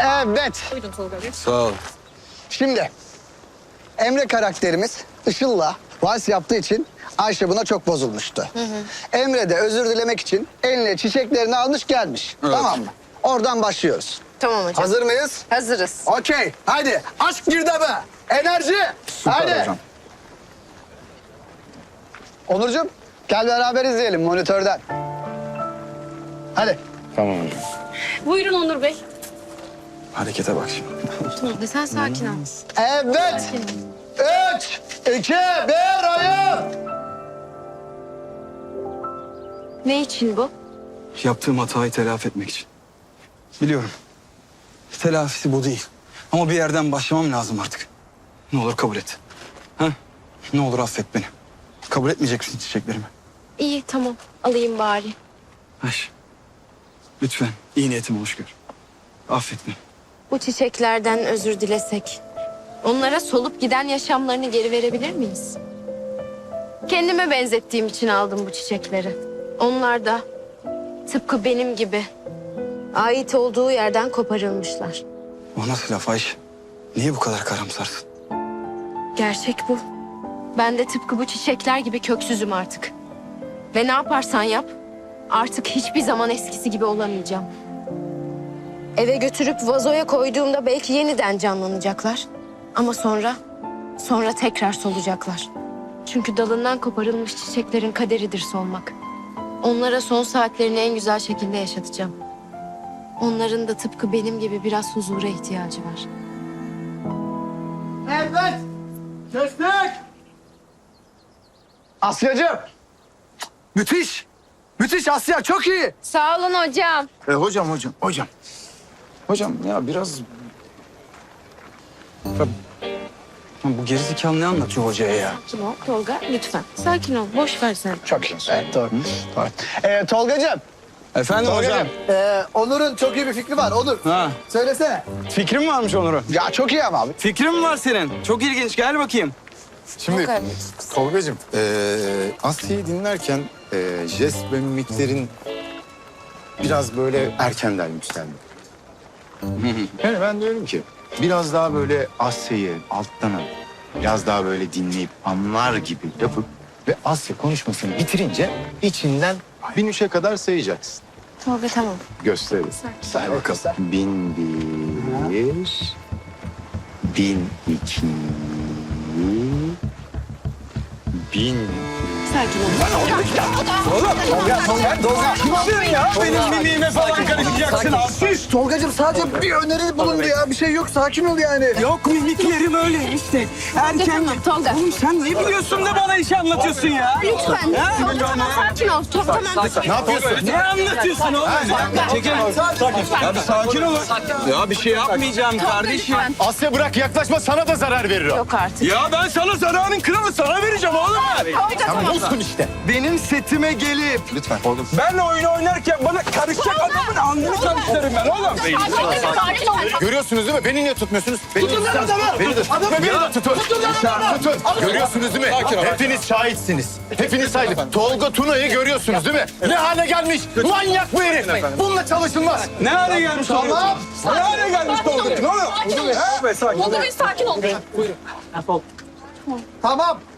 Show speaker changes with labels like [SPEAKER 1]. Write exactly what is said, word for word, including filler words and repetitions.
[SPEAKER 1] Evet.
[SPEAKER 2] Buyurun Tolga Bey.
[SPEAKER 3] Sağ ol.
[SPEAKER 1] Şimdi Emre karakterimiz Işıl'la vals yaptığı için Ayşe buna çok bozulmuştu. Hı hı. Emre de özür dilemek için eline çiçeklerini almış gelmiş.
[SPEAKER 3] Evet.
[SPEAKER 1] Tamam mı? Oradan başlıyoruz.
[SPEAKER 2] Tamam hocam.
[SPEAKER 1] Hazır mıyız?
[SPEAKER 2] Hazırız.
[SPEAKER 1] Okey. Haydi. Aşk girdabı. Enerji.
[SPEAKER 3] Süper
[SPEAKER 1] Haydi.
[SPEAKER 3] hocam.
[SPEAKER 1] Onurcuğum gel beraber izleyelim monitörden. Hadi.
[SPEAKER 3] Tamam hocam.
[SPEAKER 2] Buyurun Onur Bey.
[SPEAKER 3] Harekete bak şimdi.
[SPEAKER 2] Tolga sen sakin ol.
[SPEAKER 1] Evet. Üç, iki, bir, oyun.
[SPEAKER 2] Ne için bu?
[SPEAKER 3] Yaptığım hatayı telafi etmek için. Biliyorum. Telafisi bu değil. Ama bir yerden başlamam lazım artık. Ne olur kabul et. Ha? Ne olur affet beni. Kabul etmeyecek misin çiçeklerimi?
[SPEAKER 2] İyi tamam alayım bari.
[SPEAKER 3] Ayşe. Lütfen iyi niyetimi hoş gör. Affet beni.
[SPEAKER 2] Bu çiçeklerden özür dilesek, onlara solup giden yaşamlarını geri verebilir miyiz? Kendime benzettiğim için aldım bu çiçekleri. Onlar da tıpkı benim gibi ait olduğu yerden koparılmışlar.
[SPEAKER 3] O nasıl laf Ayşe? Niye bu kadar karamsarsın?
[SPEAKER 2] Gerçek bu. Ben de tıpkı bu çiçekler gibi köksüzüm artık. Ve ne yaparsan yap, artık hiçbir zaman eskisi gibi olamayacağım. Eve götürüp vazoya koyduğumda belki yeniden canlanacaklar. Ama sonra, sonra tekrar solacaklar. Çünkü dalından koparılmış çiçeklerin kaderidir solmak. Onlara son saatlerini en güzel şekilde yaşatacağım. Onların da tıpkı benim gibi biraz huzura ihtiyacı var.
[SPEAKER 1] Evet. Kestik. Asya'cığım. Müthiş. Müthiş Asya çok iyi.
[SPEAKER 2] Sağ olun hocam.
[SPEAKER 3] E, hocam hocam hocam. Hocam ya biraz... Ya, bu gerizekalı ne anlatıyor hocaya ya?
[SPEAKER 2] Kim o? Tolga lütfen. Sakin ol. Boş ver sen.
[SPEAKER 1] Çok iyi. Evet doğru. doğru. Ee, Tolgacığım.
[SPEAKER 3] Efendim hocam.
[SPEAKER 1] Tolgacığım. Ee, Onur'un çok iyi bir fikri var. Onur.
[SPEAKER 3] Ha.
[SPEAKER 1] Söylesene.
[SPEAKER 3] Fikrin varmış Onur'un.
[SPEAKER 1] Ya çok iyi ama abi.
[SPEAKER 3] Fikrin mi var senin? Çok ilginç. Gel bakayım.
[SPEAKER 4] Şimdi Tolga'cığım eee Asya'yı dinlerken eee jest ve mimiklerin biraz böyle erkenden yükseldi. Yani ben diyorum ki biraz daha böyle Asya'yı alttan alıp biraz daha böyle dinleyip anlar gibi yapıp ve Asya konuşmasını bitirince içinden bin üçe kadar sayacaksın.
[SPEAKER 2] Tolga tamam.
[SPEAKER 4] Gösteririz. Say bakalım. Bin bir, bin iki, bin...
[SPEAKER 2] Sakin ol.
[SPEAKER 3] Kim alıyorsun ya? Benim mimiğime falan karışacaksın abi.
[SPEAKER 1] Tolgacığım sadece bir öneri bulundu ya. Bir şey yok. Sakin ol yani.
[SPEAKER 3] Yok mimiklerim öyle işte. Erken.
[SPEAKER 2] Tamam Tolga.
[SPEAKER 3] Oğlum sen ne biliyorsun da bana iş anlatıyorsun ya?
[SPEAKER 2] Lütfen.
[SPEAKER 3] Ha?
[SPEAKER 2] Tolga tamam sakin ol. Tolga tamam.
[SPEAKER 4] Ne yapıyorsun?
[SPEAKER 3] Ne anlatıyorsun oğlum? Çekil. Ya bir sakin olun. Ya bir şey yapmayacağım kardeşim.
[SPEAKER 2] Lütfen.
[SPEAKER 4] Asya bırak yaklaşma sana da zarar verir o.
[SPEAKER 2] Yok artık.
[SPEAKER 3] Ya ben sana zararın kralı sana vereceğim oğlum.
[SPEAKER 2] Tolga tamam.
[SPEAKER 4] Olsun işte.
[SPEAKER 3] Benim setime gelip
[SPEAKER 4] Lütfen oğlum.
[SPEAKER 3] ben oyun oynarken bana karışacak adamın alnını karıştırırım ben oğlum.
[SPEAKER 4] Görüyorsunuz değil mi? Beni niye tutmuyorsunuz? Beni tutun adamı. Beni de tutun. Beni de tutun. Tutun. Görüyorsunuz değil mi? Hepiniz şahitsiniz. Hepiniz şahit. Tolga Tuna'yı görüyorsunuz değil mi? Ne hale gelmiş? Manyak bu herif. Bununla çalışılmaz.
[SPEAKER 3] Ne hale gelmiş oğlum?
[SPEAKER 1] Tamam.
[SPEAKER 3] Ne hale gelmiş oğlum? Ne oluyor?
[SPEAKER 2] Tolga bir sakin ol.
[SPEAKER 1] Tamam.